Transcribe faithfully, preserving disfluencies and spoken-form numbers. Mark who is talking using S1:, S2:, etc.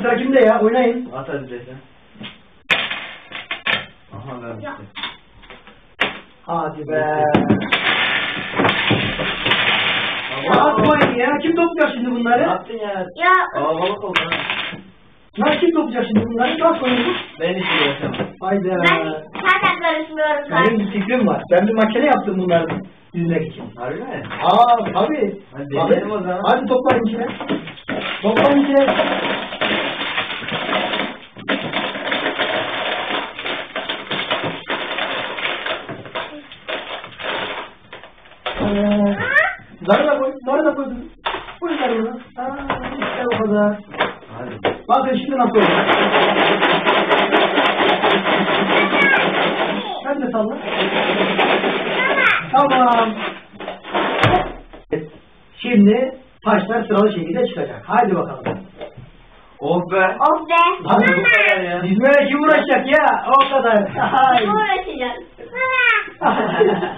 S1: Sıra kimde ya? Oynayın.
S2: At hadi desen. Aha vermişti.
S1: Hadi be. Ya atmayın ya. Kim toplayacak şimdi bunları?
S2: Ne yaptın ya?
S3: Ya.
S2: Aa balık oldu ha.
S1: Ya kim toplayacak şimdi bunları? Nasıl oynayalım?
S2: Ben hiç uğraşamam.
S1: Haydi.
S3: Ben zaten karışmıyorum
S1: Benim
S3: ben.
S1: bir fikrim var. Ben bir makine yaptım bunları yüzmek için.
S2: Harbi mi?
S1: Aa tabii.
S2: Hadi deneyelim o zaman.
S1: Hadi toplayın içine. Toplayın içine. Ee, zarı da koy. Zarı da koy. Koy zarı da. Aa, işte o kadar.
S2: Hadi.
S1: Bakın şimdi nasıl olacak. Sen de salla. Tamam. Şimdi taşlar sıralı şekilde çıkacak. Haydi bakalım.
S2: Oh be.
S3: Of be.
S1: Hadi bu
S2: kadar ya.
S1: Dizmeye kim uğraşacak ya? O kadar.
S3: Kim uğraşacağız? Baba.